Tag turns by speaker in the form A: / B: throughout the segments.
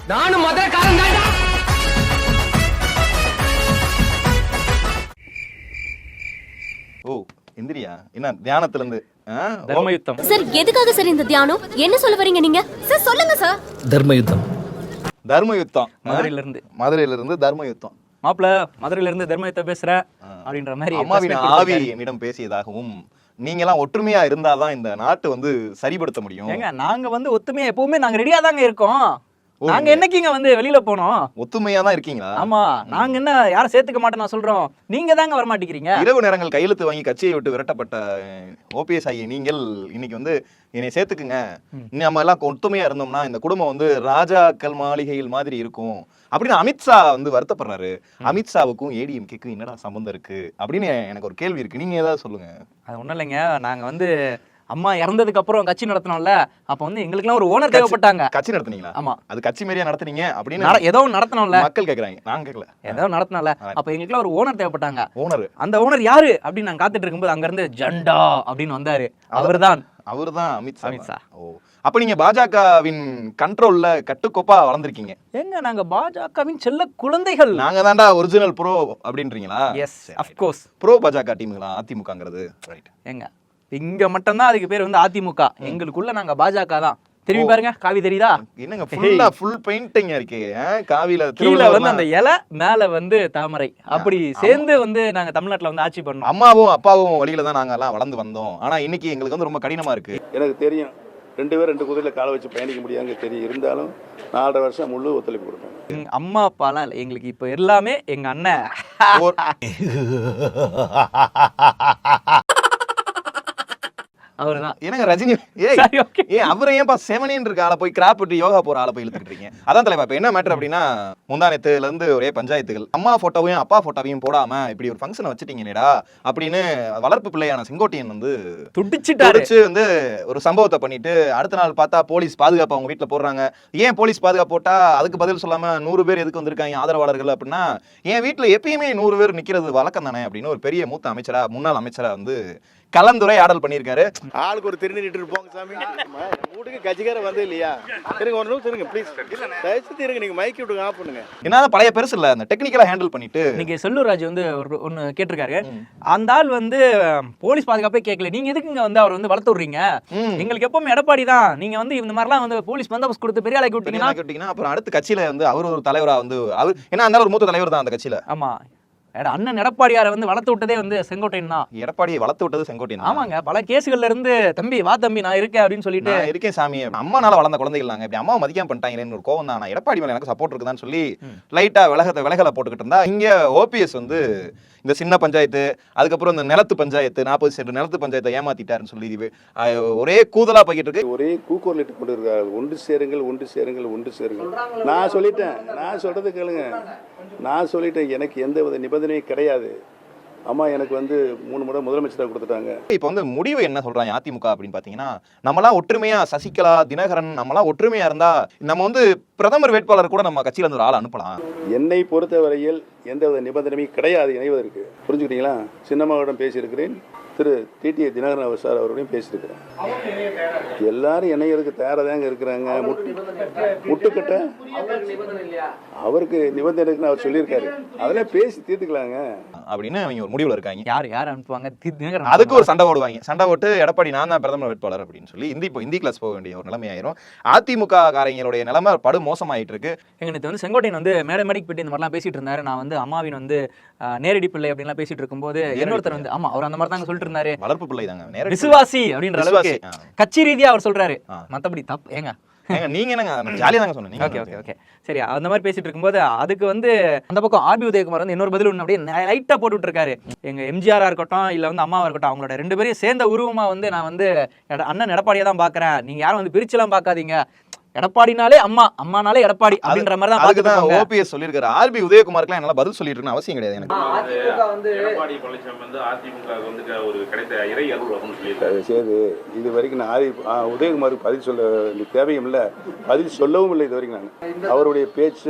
A: நானும் மதுரைக்காரன் தான்டா.
B: ஓ இந்திரியா என்ன தியானத்துல இருந்து
C: தர்மயுத்தம்
D: சார் எதுக்காக சார் இந்த தியானம்? என்ன சொல்ல வரீங்க நீங்க? சார் சொல்லுங்க சார்.
E: தர்மயுத்தம்
B: மதுரையில இருந்து தர்மயுத்தம்.
C: மாப்பிள மதுரையில இருந்து தர்மயுத்தம் பேசுற அப்படின்ற மாதிரி
B: அம்மாவின் ஆவி என்னிடம் பேசியதாகவும் நீங்க எல்லாம் ஒற்றுமையா இருந்தாதான் இந்த நாட்டு வந்து சரிபடுத்த முடியும்.
C: ஏங்க நாங்க வந்து ஒத்துமையா எப்பவுமே நாங்க ரெடியா தாங்க இருக்கோம். நாங்க என்னைக்குங்க வந்து வெளியில போனோம்?
B: ஒத்துமையா தான் இருக்கீங்களா?
C: ஆமா, நாங்க என்ன யாரும் சேர்த்துக்க மாட்டேன் நான் சொல்றோம். நீங்க தாங்க வர மாட்டேங்கிறீங்க.
B: இரவு நேரங்கள் கையெழுத்து வாங்கி கட்சியை விட்டு விரட்டப்பட்ட ஓபிஎஸ் ஆகிய நீங்கள் இன்னைக்கு வந்து என்னை சேர்த்துக்குங்க, நம்ம எல்லாம் ஒத்துமையா இருந்தோம்னா இந்த குடும்பம் வந்து ராஜாக்கள் மாளிகையில் மாதிரி இருக்கும் அப்படின்னு அமித்ஷா வந்து வருத்தப்படுறாரு. அமித்ஷாவுக்கும் ஏடிஎம்கேக்கும் என்னடா சம்பந்தம் இருக்கு அப்படின்னு எனக்கு ஒரு கேள்வி இருக்கு. நீங்க ஏதாவது சொல்லுங்க.
C: அது ஒண்ணும் இல்லைங்க, நாங்க வந்து அம்மா இறந்ததுக்கு அப்புறம் கட்சி நடத்தினோம்ல, அப்ப வந்து எங்களுக்குலாம் ஒரு ஓனர் தேவைப்பட்டாங்க.
B: கட்சி நடத்துனீங்களா?
C: ஆமா,
B: அது கட்சி மாதிரியா நடத்துனீங்க அப்படின்னு
C: ஏதோ நடத்தணும்ல
B: மக்கள் கேக்குறாங்க. நான் கேட்கல,
C: ஏதோ நடத்தினோம்ல. அப்ப எங்களுக்குலாம் ஒரு ஓனர் தேவைப்பட்டாங்க.
B: ஓனர்,
C: அந்த ஓனர் யாரு அப்படின்னு நாங்க காத்துட்டு இருக்கும்போது அங்க இருந்து ஜண்டா அப்படின்னு வந்தாரு. அவர்தான்
B: அமித்ஷா. ஓ, அப்ப நீங்க பாஜகவின் கண்ட்ரோல்ல கட்டுக்கோப்பா வளர்ந்துருக்கீங்க.
C: எங்க நாங்க பாஜகவின் செல்ல குழந்தைகள்.
B: நாங்க தான்டா ஒரிஜினல் ப்ரோ அப்படின்றீங்களா?
C: Yes, of course.
B: ப்ரோ பாஜக டீமுங்களா அதிமுகங்கிறது? ரைட்.
C: எங்க இங்க மட்டும்தான் அதுக்கு பேர் வந்து அதிமுக. எங்களுக்குள்ள நாங்க பாஜக தான். திரும்பி பாருங்க, காவி தெரியுதா?
B: என்னங்க ஃபுல்லா ஃபுல் பெயிண்டிங் இருக்கு. காவில
C: கீழ வந்து அந்த இலை, மேல வந்து தாமரை, அப்படி சேர்ந்து வந்து நாங்க தமிழ்நாட்டுல வந்து ஆட்சி பண்ணோம்.
B: அம்மாவும் அப்பாவும் வழியில தான் நாங்க எல்லாம் வளர்ந்து வந்தோம். ஆனா இன்னைக்கு எங்களுக்கு வந்து ரொம்ப கடினமா இருக்கு.
F: எனக்கு தெரியும், 2 பேர் 2 குதிரையில காலை வச்சு பயணிக்க முடியாங்க தெரியும். இருந்தாலும் 4.5 வருஷம் முழு ஒத்துழைப்பு கொடுப்பேன்.
C: அம்மா அப்பாலாம் இல்லை எங்களுக்கு, இப்போ எல்லாமே எங்க அண்ணன். அவர்தான்.
B: எனக்கு ரஜினி அவரை ஏன்பா செவனின்னு இருக்க ஆளை போய் கிராப் விட்டு யோகா போற ஆளை போய் இழுத்துக்கிட்டு இருக்கீங்க? அதான் தலைவா. இப்ப என்ன மேட்டர் அப்படின்னா, முந்தானத்துல இருந்து ஒரே பஞ்சாயத்துகள். அம்மா போட்டோவையும் அப்பா போட்டோவையும் போடாம இப்படி ஒரு ஃபங்க்ஷனை வச்சுட்டீங்கடா அப்படின்னு வளர்ப்பு பிள்ளையான செங்கோட்டையன் வந்து துடிச்சு வந்து ஒரு சம்பவத்தை பண்ணிட்டு அடுத்த நாள் பார்த்தா போலீஸ் பாதுகாப்பு அவங்க வீட்டுல போடுறாங்க. ஏன் போலீஸ் பாதுகாப்பு போட்டா அதுக்கு பதில் சொல்லாம 100 பேர் எதுக்கு வந்திருக்காங்க ஆதரவாளர்கள் அப்படின்னா, என் வீட்டுல எப்பயுமே 100 பேர் நிக்கிறது வழக்கம் தானே அப்படின்னு ஒரு பெரிய மூத்த அமைச்சரா, முன்னாள் அமைச்சரா வந்து கலந்துரையாடல் பண்ணியிருக்காரு.
F: ஆளுக்கு ஒரு திருநீட்டு போங்க சாமி. வீட்டுக்கு கட்சிக்கார வந்து இல்லையா? இருங்க, ஒரு நிமிஷம் இருங்க ப்ளீஸ். தயவுசெய்து இருங்க, நீங்க மைக் விட்டு ஆஃப் பண்ணுங்க.
B: என்ன பழைய பெருசு இல்ல, அந்த டெக்னிக்கலா ஹேண்டில் பண்ணிட்டு
C: நீங்க செல்லூர் ராஜ் வந்து ஒன்னு கேட்டிருக்காரு. அந்த ஆள் வந்து போலீஸ் பாதுகாப்பே கேட்கல, நீங்க எதுக்குங்க வந்து அவர் வந்து வளர்த்து விடுறீங்க? எங்களுக்கு எப்பவுமே எடப்பாடி தான். நீங்க வந்து இந்த மாதிரிலாம் வந்து போலீஸ் பந்தோபஸ்து கொடுத்து பெரிய ஆளாக்கி விட்டீங்கன்னா
B: அப்புறம் அடுத்த கட்சியில வந்து அவர் ஒரு தலைவரா வந்து அவர் என்ன அந்த ஒரு மூத்த தலைவர் தான் அந்த கட்சியில.
C: ஆமா, அண்ணன் எடப்பாடியாரை வந்து வளர்த்து விட்டதே வந்து செங்கோட்டையன் தான்.
B: எடப்பாடியை வளர்த்து விட்டது செங்கோட்டையன்.
C: ஆமாங்க, பல கேசுகள்ல இருந்து தம்பி வா தம்பி நான் இருக்கேன் அப்படின்னு சொல்லிட்டு
B: இருக்கேன் சாமி. அம்மானால வளர்ந்த குழந்தைகள் நாங்க இப்படி அம்மாவை மதிக்காம பண்ணிட்டாங்களேன்னு ஒரு கோவம் தான். எடப்பாடி மேல எனக்கு சப்போர்ட் இருக்குதான்னு சொல்லி லைட்டா விலகலை போட்டுக்கிட்டு இருந்தா, இங்க ஓபிஎஸ் வந்து இந்த சின்ன பஞ்சாயத்து, அதுக்கப்புறம் இந்த நிலத்து பஞ்சாயத்து 40 சென்ட் நிலத்து பஞ்சாயத்தை ஏமாத்திட்டாருன்னு சொல்லி ஒரே கூதலா போய்கிட்டு இருக்கு.
F: ஒரே கூக்குரலிட்டு கொண்டு இருக்காரு. ஒன்று சேருங்கள், ஒன்று சேருங்கள், ஒன்று சேருங்கள். நான் சொல்லிட்டேன், நான் சொல்றது கேளுங்க. நான் சொல்லிட்டேன், எனக்கு எந்த வித நிபந்தனையும் கிடையாது. அம்மா எனக்கு வந்து 3 முறை முதலமைச்சராக கொடுத்துட்டாங்க.
B: இப்போ வந்து முடிவு என்ன சொல்றாங்க அதிமுக அப்படின்னு பாத்தீங்கன்னா, நம்மளாம் ஒற்றுமையா சசிகலா, தினகரன் நம்மளாம் ஒற்றுமையா இருந்தா நம்ம வந்து பிரதமர் வேட்பாளர் கூட நம்ம கட்சியில இருந்து ஒரு ஆள் அனுப்பலாம்.
F: என்னை பொறுத்தவரையில் எந்த வித நிபந்தனையும் கிடையாது இணைவதற்கு. புரிஞ்சுக்கிட்டீங்களா? சின்னம்மாவிடம் பேசியிருக்கிறேன், திரு டிடி தினகரன் அவர் சார் அவரோடையும் பேசியிருக்கிறேன். எல்லாரும் இணையருக்கு தயாராக இருக்கிறாங்க. முட்டுக்கட்ட அவருக்கு நிபந்தனை இருக்குன்னு அவர் சொல்லியிருக்காரு. அதெல்லாம் பேசி தீர்த்துக்கலாங்க
B: அப்படின்னு அவங்க ஒரு முடிவுல இருக்காங்க.
C: யார் அனுப்புவாங்க?
B: அதுக்கு ஒரு சண்டை போடுவாங்க. சண்டை போட்டு எடப்பாடி நான் தான் பிரதமர் வேட்பாளர் அப்படின்னு சொல்லி இந்தி கிளாஸ் போக வேண்டிய ஒரு நிலைமை ஆயிரும். அதிமுக காரங்களுடைய நிலைமை படு மோசமாயிட்டு இருக்கு.
C: எங்களுக்கு வந்து செங்கோட்டையன் வந்து மேடைக்கு போயிட்டு இந்த மாதிரிலாம் பேசிட்டு இருந்தாரு. நான் வந்து அம்மாவின் வந்து நேரடி பிள்ளை அப்படின்லாம் பேசிட்டு இருக்கும்போது இன்னொருத்தர் வந்து ஆமா அவர் அந்த மாதிரி தாங்க சொல்லிட்டு இருந்தாரு.
B: வளர்ப்பு பிள்ளை தாங்க,
C: விசுவாசி அப்படின்ற அளவுக்கு கட்சி ரீதியா அவர் சொல்றாரு. மத்தபடி தப்பு ஏங்க
B: நீங்க என்னங்க ஜாலியா தாங்க சொன்னீங்க.
C: ஓகே சரி, அந்த மாதிரி பேசிட்டு இருக்கும்போது அதுக்கு வந்து அந்த பக்கம் ஆர்பி உதயகுமார் வந்து இன்னொரு பதில் ஒன்று அப்படியே லைட்டா போட்டுட்டு இருக்காரு. எங்க எம்ஜிஆரா இருக்கட்டும் இல்ல வந்து அம்மாவா இருக்கட்டும், அவங்களோட 2 பேரையும் சேர்ந்த உருவமா வந்து நான் வந்து அண்ணன் எடப்பாடியா தான் பாக்குறேன். நீங்க யாரும் வந்து பிரிச்செல்லாம் பாக்காதீங்க. எடப்பாடினாலே அம்மா, அம்மானாலே எடப்பாடி அப்படின்ற மாதிரி தான். அதுக்கு தான்
B: ஓபிஎஸ் சொல்லியிருக்காரு. ஆர்பி உதயகுமாருக்கு என்னால பதில் சொல்லிட்டு இருக்கணும் அவசியம் கிடையாது எனக்கு.
G: எடப்பாடி வந்து அதிமுக வந்து ஒரு கிடைத்த இறை அருள் அப்படின்னு சொல்லியிருக்காரு.
F: சரி, இது வரைக்கும் நான் உதயகுமாருக்கு பதில் சொல்ல தேவையும் இல்லை, பதில் சொல்லவும் இல்லை இது வரைக்கும். நான் அவருடைய பேச்சு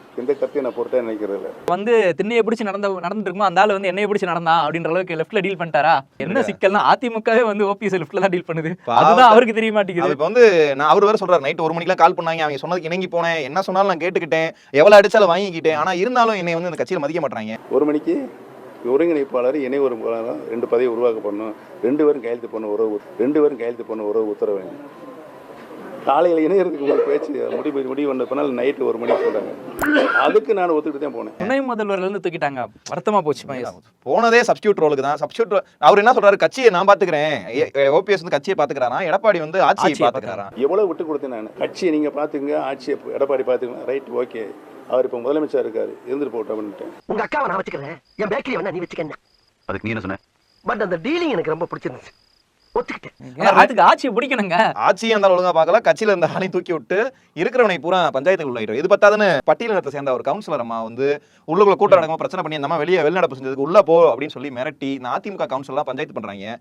F: எந்த கருத்தையும் நான் பொறுத்தா நினைக்கிறது இல்லை.
C: வந்து திண்ணையை பிடிச்சி நடந்துட்டு இருக்குமோ அந்த ஆள் வந்து என்னைய பிடிச்சி நடந்தான் அப்படின்ற அளவுக்கு லெஃப்ட்ல டீல் பண்ணிட்டாரா? என்ன சிக்கல்னா அதிமுகவே வந்து ஓபிஎஸ் லெஃப்ட்ல தான் டீல் பண்ணுது. அதுதான் அவருக்கு தெரிய மாட்டேங்குது.
B: இப்போ வந்து நான் அவர் வேற சொல்றாரு நைட் 1 மணிக்கெல்லாம் கால் பண்ணாங்க, அவங்க சொன்னதுக்கு இணங்கி போனேன், என்ன சொன்னாலும் நான் கேட்டுக்கிட்டேன், எவ்வளவு அடிச்சாலும் வாங்கிக்கிட்டேன், ஆனா இருந்தாலும் என்னை வந்து இந்த கட்சியில மதிக்க மாட்டாங்க.
F: 1 மணிக்கு ஒருங்கிணைப்பாளர் இணை ஒருங்கிணைப்பாளர் 2 பதவி உருவாக்கப்படணும், 2 பேரும் கையெழுத்து பண்ண உறவு உத்தரவு வேணும். காலையில் இணையறதுக்கு ஒரு பேச்சு முடிவு பண்ண பின்னால் நைட்டு 1 மணிக்கு சொல்றாங்க. அதுக்கு நான் ஒத்துக்கிட்டு தான் போனேன்.
C: துணை முதல்வர்ல இருந்து தூக்கிட்டாங்க, வருத்தமா போச்சு.
B: போனதே சப்ஸ்டியூட் ரோலுக்கு தான். சப்ஸ்டியூட் அவர் என்ன சொல்றாரு, கட்சியை நான் பாத்துக்கிறேன், ஓபிஎஸ் வந்து கட்சியை பாத்துக்கிறாரா, எடப்பாடி வந்து ஆட்சியை பாத்துக்கிறாரா.
F: எவ்வளவு விட்டு கொடுத்தேன் நான். கட்சியை நீங்க பாத்துங்க, ஆட்சியை எடப்பாடி பாத்துக்கலாம், ரைட் ஓகே. அவர் இப்ப முதலமைச்சர் இருக்காரு, இருந்துட்டு போட்டோம் அப்படின்ட்டு.
A: உங்க அக்காவை நான் வச்சுக்கிறேன், என் பேக்கரி வேணா நீ வச்சுக்க.
E: அதுக்கு நீ என்ன சொன்ன?
A: பட் அந்த டீலிங் எனக்கு ரொம்ப பிடிச்சிருந்துச்சு, ஒத்துக்கிட்டேன்.
C: அதுக்கு ஆட்சியை பிடிக்கணுங்க.
B: ஆட்சியை இருந்தாலும் ஒழுங்கா பார்க்கல, கட்சியில இருந்த ஆணையும் தூக்கி விட்டு இருக்கிறவனை பூரா பஞ்சாயத்துக்கு உள்ளாயிடும். இது பத்தாதுன்னு பட்டியலினத்தை சேர்ந்த ஒரு கவுன்சிலர் அம்மா வந்து உள்ளுக்குள்ள கூட்டம் நடக்கும் பிரச்சனை பண்ணி அந்த அம்மா வெளிநடப்பு செஞ்சதுக்கு உள்ள போ அப்படின்னு சொல்லி மிரட்டி இந்த அதிமுக கவுன்சிலர்லாம் பஞ்சாயத்து பண்றாங்க.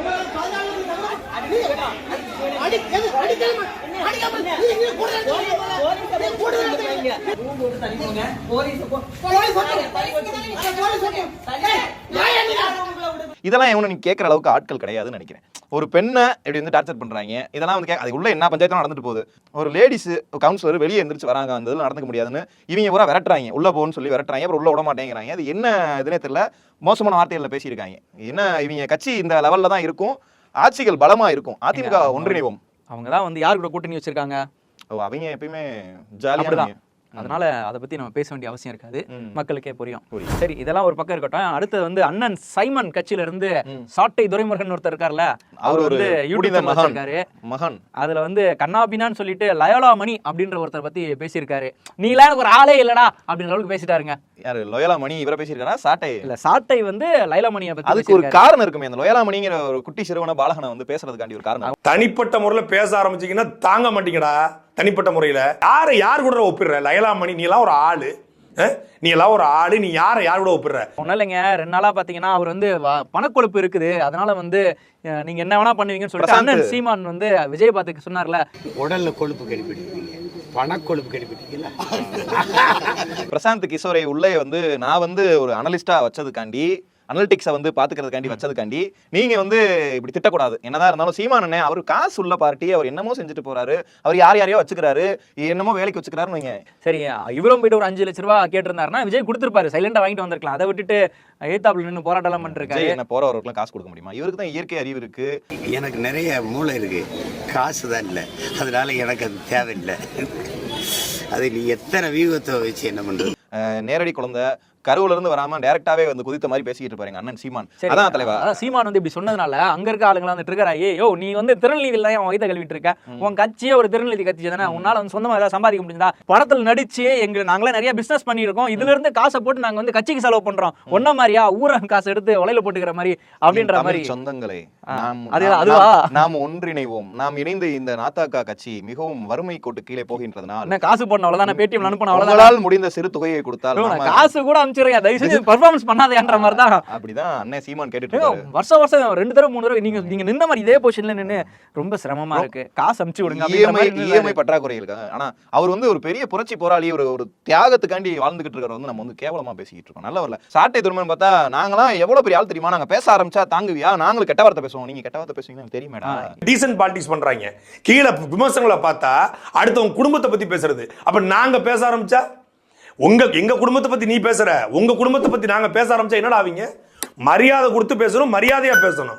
B: இதெல்லாம் எவனும் நீ கேட்கற அளவுக்கு ஆட்கள் கிடையாதுன்னு நினைக்கிறேன். ஒரு பெண்ணை இப்படி வந்து டார்ச்சர் பண்றாங்க, இதெல்லாம் வந்து அது உள்ள என்ன பஞ்சாயத்து நடந்துட்டு போகுது. ஒரு லேடிஸ் கவுன்சிலர் வெளியே எந்திரிச்சு வராங்க, அந்த இதெல்லாம் நடந்துக்க முடியாதுன்னு இவங்க பூரா விரட்டுறாங்க, உள்ள போன்னு சொல்லி விரட்டுறாங்க, அப்புறம் உள்ள விட மாட்டேங்கிறாங்க. அது என்ன இதுனே தெரியல, மோசமான வார்த்தைகள்ல பேசியிருக்காங்க. என்ன இவங்க கட்சி இந்த லெவல்ல தான் இருக்கும், ஆட்சிகள் பலமா இருக்கும், அதிமுக ஒன்றிணைவோம்.
C: அவங்க தான் வந்து யார் கூட கூட்டணி வச்சிருக்காங்க,
B: அவங்க எப்பயுமே ஜாலியா.
C: அதனால அதை பத்தி நம்ம பேச வேண்டிய அவசியம் இருக்காது, மக்களுக்கே புரியும். சரி, இதெல்லாம் ஒரு பக்கம் இருக்கட்டும். அடுத்தது வந்து அண்ணன் சைமன் கட்சியில இருந்து சாட்டை துரைமுருகன் ஒருத்தர் இருக்காருல்ல, அவர் வந்து யூடியூப் வச்சிருக்காரு மகன். அதுல வந்து கண்ணாபினான்னு சொல்லிட்டு லயோலா மணி அப்படின்ற ஒருத்தர் பத்தி பேசியிருக்காரு. நீலாம் எனக்கு ஒரு ஆளே இல்லடா அப்படின்ற அளவுக்கு பேசிட்டாருங்க.
B: யாரு லயோலா மணி இவரை பேசியிருக்காரா? சாட்டை இல்ல,
C: சாட்டை வந்து லைலா மணியை பத்தி.
B: அதுக்கு ஒரு காரணம் இருக்குமே, அந்த லயோலா மணிங்கிற ஒரு குட்டி சிறுவன பாலகனை வந்து பேசுறதுக்காண்டி ஒரு காரணம்.
H: தனிப்பட்ட முறையில் பேச ஆரம்பிச்சீங்கன்னா தாங்க மாட்டீங்கடா. தனிப்பட்ட முறையில் யார் கூட ஒப்பிடுற? லயலா மணி நீ எல்லாம் ஒரு ஆளு, நீ யார் கூட ஒப்பிடுற?
C: ஒன்னும் இல்லைங்க, 2 நாளா பாத்தீங்கன்னா அவர் வந்து பணக்கொழுப்பு இருக்குது, அதனால வந்து நீங்க என்ன வேணா பண்ணுவீங்கன்னு சொல்லிட்டு அண்ணன் சீமான் வந்து விஜய் பாத்துக்கு சொன்னார்ல,
I: உடல்ல கொழுப்பு கடிப்பிடிப்பீங்க, பணக்கொழுப்பு கடிப்பிடிக்கல.
B: பிரசாந்த் கிஷோரை உள்ளே வந்து நான் வந்து ஒரு அனலிஸ்டா வச்சதுக்காண்டி, அனலிட்டிக்ஸை வந்து பாத்துக்கிறதுக்காண்டி வச்சதுக்காண்டி நீங்க வந்து இப்படி திட்டக்கூடாது. என்னதான் இருந்தாலும் சீமான் அண்ணே அவர் காசு உள்ள பார்ட்டி, அவர் என்னமோ செஞ்சுட்டு போறாரு, அவர் யாரையோ வச்சுக்கிறாரு, என்னமோ வேலைக்கு வச்சுக்கிறாருன்னு வைங்க.
C: சரி, இவரும் போயிட்டு ஒரு 5 லட்ச ரூபாய் கேட்டிருந்தாருன்னா விஜய் கொடுத்துருப்பாரு, சைலண்டா வாங்கிட்டு வந்திருக்கலாம். அதை விட்டுட்டு ஏத்தாப்புல நின்று போராட்டம் பண்ணிருக்காரு.
B: என்ன போறவர்களுக்கு காசு கொடுக்க முடியுமா? இவருக்கு தான் இயற்கை அறிவு இருக்கு,
I: எனக்கு நிறைய மூளை இருக்கு, காசு தான் இல்லை, அதனால எனக்கு அது தேவையில்லை. அது நீ எத்தனை வியூகத்தை வச்சு என்ன பண்றது?
B: நேரடி குழந்தை கருவுல இருந்து வராம டைரக்டாவே வந்து குதித்த மாதிரி பேசிட்டு இருப்பாங்க அண்ணன் சீமான். அதான் தலைவா,
C: சீமான் வந்து இப்படி சொன்னதுனால அங்க இருக்க ஆளுங்க வந்து ட்ரிகர் ஆகி, யோ நீ வந்து திருநெல்வேலியில தான் வயிற்ற கழுவிட்டு இருக்க, உன் கட்சியே ஒரு திருநெல்வேலி கட்சி தானே, உன்னால வந்து சொந்தமா ஏதாவது சம்பாதிக்க முடியுதா? படத்துல நடிச்சு நாங்களே நிறைய பிசினஸ் பண்ணிருக்கோம், இதுல இருந்து காசை போட்டு நாங்க வந்து கட்சிக்கு செலவு பண்றோம், ஒன்ன மாதிரியா ஊரக காசு எடுத்து உலையில போட்டுக்கிற மாதிரி அப்படின்ற மாதிரி.
B: சொந்தங்களே,
C: அதுவா
B: நாம் ஒன்றிணைவோம், நாம் இணைந்து இந்த நாத்தாக்கா கட்சி மிகவும் வறுமை கோட்டு கீழே போகின்றதுனால
C: காசு போடணும் அவ்வளவுதான், பேடிஎம் அனுப்பணும் அவ்வளவுதான்,
B: உங்களால் முடிந்த சிறு தொகையை கொடுத்தால்
C: காசு கூட அனுப்பிச்சிருங்க, தயவு செஞ்சு பெர்ஃபார்மன்ஸ் பண்ணாதேன்ற மாதிரி தான்.
B: அப்படிதான் அண்ணன் சீமான் கேட்டுட்டு இருக்காரு.
C: வருஷம் 2 தடவை 3 தடவை நீங்க நின்ன மாதிரி இதே பொசிஷன்ல நின்னு ரொம்ப சிரமமா இருக்கு, காசு அனுப்பிச்சு விடுங்க.
B: இஎம்ஐ பற்றாக்குறை இருக்கு. ஆனா அவர் வந்து ஒரு பெரிய புரட்சி போராளி, ஒரு தியாகத்துக்காண்டி வாழ்ந்துகிட்டு இருக்கிற வந்து நம்ம வந்து கேவலமா பேசிக்கிட்டு இருக்கோம். நல்ல வரல. சாட்டை துருமன் பார்த்தா நாங்களாம் எவ்வளவு பெரிய ஆள் தெரியுமா, நாங்க பேச ஆரம்பிச்சா தாங்குவியா, நாங்களும் கெட்ட வார்த்தை பேசுவோம், நீங்க கெட்ட வார்த்தை பேசுவீங்கன்னு தெரியுமேடா.
H: டீசன்ட் பாலிடிக்ஸ் பண்றாங்க, கீழே விமர்சனங்களை பார்த்தா அடுத்தவங்க குடும்பத்தை பத்தி பேசுறது. அப்ப நாங்க பேச ஆரம்பிச்சா, எங்க குடும்பத்தை பத்தி நீ பேசுற, உங்க குடும்பத்தை பத்தி நாங்க பேச ஆரம்பிச்சா என்னடா ஆவீங்க? மரியாதை கொடுத்து பேசணும், மரியாதையா பேசணும்.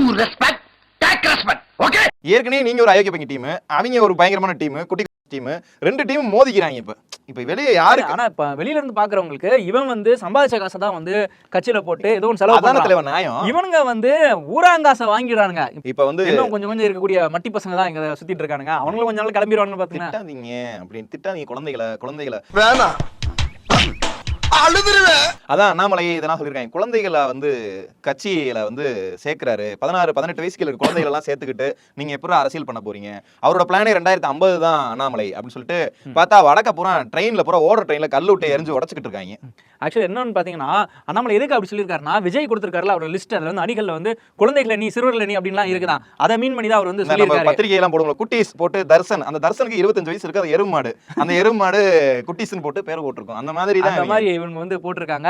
B: ஏற்கனவே நீங்க ஒரு அயோக்கிய பையன் டீம், அவங்க ஒரு பயங்கரமான டீம், குட்டி டீம், 2 டீம் மோதிக்கிறாங்க. இப்ப வெளியே யாரு?
C: ஆனா இப்ப வெளியில இருந்து பாக்குறவங்களுக்கு இவன் வந்து சம்பாதிச்ச காசை தான் வந்து கட்சியில போட்டு ஏதோ ஒன்று செலவு
B: பண்றான் நியாயம்.
C: இவனுங்க வந்து ஊராங்காசை வாங்கிடுறாங்க.
B: இப்ப வந்து
C: கொஞ்சம் இருக்கக்கூடிய மட்டி பசங்க தான் இங்க சுத்திட்டு இருக்கானுங்க, அவங்களும் கொஞ்ச நாள் கிளம்பிடுவாங்க. பாத்தீங்கன்னா
B: திட்டாதீங்க அப்படின்னு, திட்டாதீங்க குழந்தைகளை
I: வேணாம், அழுதுருவேன்.
B: அதான் அண்ணாமலை இதெல்லாம் சொல்லியிருக்காங்க, குழந்தைகளை வந்து கட்சியில வந்து சேர்க்கிறாரு, 16-18 வயசுக்கு இருக்க குழந்தைகள் எல்லாம் சேர்த்துக்கிட்டு நீங்க எப்படி அரசியல் பண்ண போறீங்க? அவரோட பிளானே 2050 தான் அண்ணாமலை அப்படின்னு சொல்லிட்டு பார்த்தா வடக்க பூரா ட்ரெயின்ல பூரா ஓடுற ட்ரெயின்ல கல்லு விட்டு எரிஞ்சு உடச்சுக்கிட்டு இருக்காங்க.
C: ஆக்சுவலி என்னன்னு பாத்தீங்கன்னா அண்ணாமலை எதுக்கு அப்படி சொல்லியிருக்காருன்னா விஜய் கொடுத்திருக்காருல அவரோட லிஸ்ட் அதுல வந்து அணிகள்ல வந்து குழந்தைகளை நீ சிறுவர்களை நீ அப்படின்லாம் இருக்குதான் அதை மீன் பண்ணி தான் அவர் வந்து சொல்லியிருக்காரு.
B: பத்திரிகை எல்லாம் போடுவோம் குட்டீஸ் போட்டு தர்சன், அந்த தர்சனுக்கு 25 வயசு இருக்கு, அது எருமாடு, அந்த எருமாடு குட்டீஸ்னு போட்டு பேர் போட்டிருக்கோம். அந்த மாதிரி தான்
C: அந்த மாதிரி இவங்க வந்து போட்டிருக்காங்க.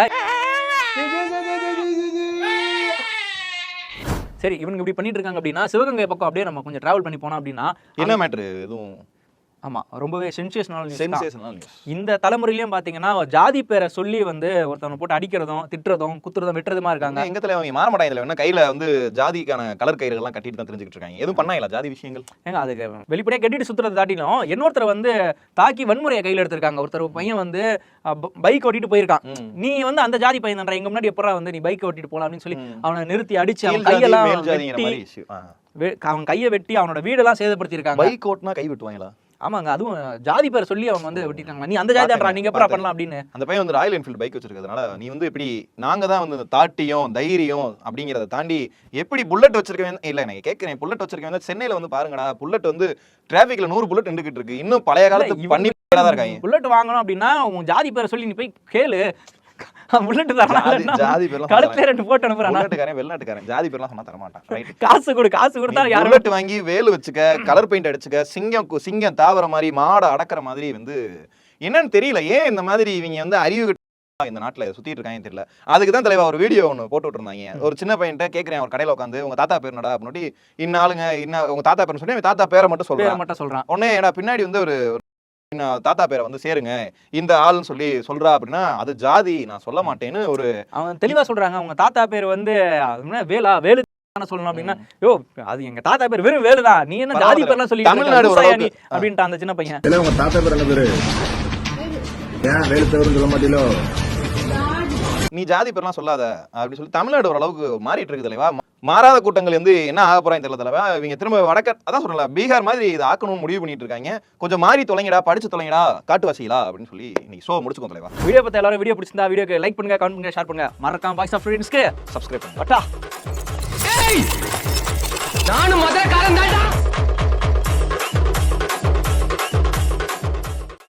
C: சரி இவங்க இப்படி பண்ணிட்டு இருக்காங்க அப்படின்னா சிவகங்கை பக்கம் அப்படியே நம்ம கொஞ்சம் டிராவல் பண்ணி போனோம் அப்படின்னா
B: என்ன மேட்ரு எதுவும்
C: ஆமா ரொம்பவே சென்சேஷனல்
B: நியூஸ்.
C: இந்த தலைமுறையிலயும் பாத்தீங்கன்னா ஜாதி பேரை சொல்லி வந்து ஒருத்தவங்க போட்டு அடிக்கிறதும் திட்டுறதும் குத்துறதும் வெட்டுறதுமா இருக்காங்க.
B: எங்க தலைவங்க மாற மாட்டாங்க, என்ன கையில வந்து ஜாதிக்கான கலர் கயிறுகள் எல்லாம் கட்டிட்டு தான் தெரிஞ்சுக்கிட்டு இருக்காங்க. எதுவும் பண்ணாங்களா ஜாதி விஷயங்கள்? ஏங்க
C: அதுக்கு வெளிப்படையா கட்டிட்டு சுத்துறதை தாட்டிலும் இன்னொருத்தர் வந்து தாக்கி வன்முறையை கையில எடுத்திருக்காங்க. ஒருத்தர் பையன் வந்து பைக் ஓட்டிட்டு போயிருக்கான். நீ வந்து அந்த ஜாதி பையன் தான்டா, எங்க முன்னாடி எப்பறம் வந்து நீ பைக் ஓட்டிட்டு போலாம் அப்படின்னு சொல்லி அவனை நிறுத்தி அடிச்சு அவன் கையெல்லாம் அவன் கையை வெட்டி அவனோட வீடெல்லாம் சேதப்படுத்திருக்காங்க.
B: பைக் ஓட்டினா கை வெட்டுவாங்களா?
C: ஆமாங்க, அதுவும் ஜாதி பேரை சொல்லி அவங்க வந்து வெட்டிட்டாங்க. நீ அந்த ஜாதி தான்டா, நீங்க எப்பறம் பண்ணலாம் அப்படின்னு.
B: அந்த பையன் வந்து ராயல் என்ஃபீல்டு பைக் வச்சிருக்கிறதுனால நீ வந்து இப்படி நாங்க தான் வந்து தாட்டியும் தைரியம் அப்படிங்கிறத தாண்டி எப்படி புல்லட் வச்சிருக்கேன் இல்ல நான் கேட்கிறேன். புல்லட் வச்சிருக்கேன் சென்னையில வந்து பாருங்கடா, புல்லட் வந்து டிராபிக்ல 100 புல்லட் நின்றுகிட்டு இருக்கு. இன்னும் பழைய காலத்து பண்ணி தான் இருக்காங்க.
C: புல்லட் வாங்கணும் அப்படின்னா உன் ஜாதி பேரை சொல்லி நீ போய் கேளு. புல்லட் தரணும்,
B: ஜாதி பேர்லாம்
C: கழுத்துல 2 போட்டு அனுப்புறான்.
B: புல்லட்காரன் வெளிநாட்டுக்காரன் ஜாதி பேர்லாம் சொன்னா தர மாட்டான். ரைட்,
C: காசு கொடுத்தா யாரும்
B: புல்லட் வாங்கி வேலு வச்சுக்க, கலர் பெயிண்ட் அடிச்சுக்க, சிங்கம் தாவற மாதிரி மாடை அடக்குற மாதிரி வந்து என்னன்னு தெரியல. ஏன் இந்த மாதிரி இவங்க வந்து அறிவு இந்த நாட்டுல சுத்திட்டு இருக்காங்க தெரியல. அதுக்கு தான் தலைவா ஒரு வீடியோ ஒன்று போட்டு விட்டுருந்தாங்க. ஒரு சின்ன பையன்ட்ட கேட்கிறேன், ஒரு கடையில உட்காந்து உங்க தாத்தா பேர் என்னடா அப்படின்னு, இன்னாளுங்க உங்க தாத்தா பேர் சொல்லி தாத்தா பேரை மட்டும் சொல்றான். உடனே ஏன்னா பின்னாடி வந்து ஒரு தாத்தா பேரை வந்து சேருங்க இந்த ஆள்னு சொல்றா அப்படின்னா அது ஜாதி நான் சொல்ல மாட்டேன்னு ஒரு
C: அவன் தெளிவா சொல்றாங்க. அவங்க தாத்தா பேர் வந்து வேலு சொல்லணும் அப்படின்னா யோ அது எங்க தாத்தா பேர் வெறும் வேலுதான், நீ என்ன ஜாதி பேர்லாம் சொல்லி
B: தமிழ்நாடு
C: அப்படின்ட்டு அந்த சின்ன பையன்.
E: உங்க தாத்தா பேர் என்ன பேரு? ஏன் வேலு பேருன்னு சொல்ல மாட்டீங்களோ?
B: நீ ஜாதி பேர்லாம் சொல்லாத அப்படின்னு சொல்லி தமிழ்நாடு ஓரளவுக்கு மாறிட்டு இருக்கு தலைவா. மாறாத கூட்டங்கள் வந்து என்ன ஆக போறாங்க தெரியல தலைவா. இவங்க திரும்ப அதான் சொல்லல பீகார் மாதிரி இதை ஆக்கணும்னு முடிவு பண்ணிட்டு இருக்காங்க. கொஞ்சம் மாறி தொலைங்கடா, படிச்சு தொலைங்கடா, காட்டுவாசிகளா அப்படின்னு சொல்லி இன்னைக்கு ஷோ முடிச்சுக்கோ தலைவா.
C: வீடியோ பத்தி எல்லாரும் வீடியோ பிடிச்சிருந்தா வீடியோக்கு லைக் பண்ணுங்க, கமெண்ட் பண்ணுங்க, ஷேர் பண்ணுங்க, மறக்காம பாய்ஸ் ஆஃப் ஃப்ரெண்ட்ஸ்க்கு
B: சப்ஸ்கிரைப் பண்ணுங்க.
A: நானும் மதுரக்காரன் தான்டா.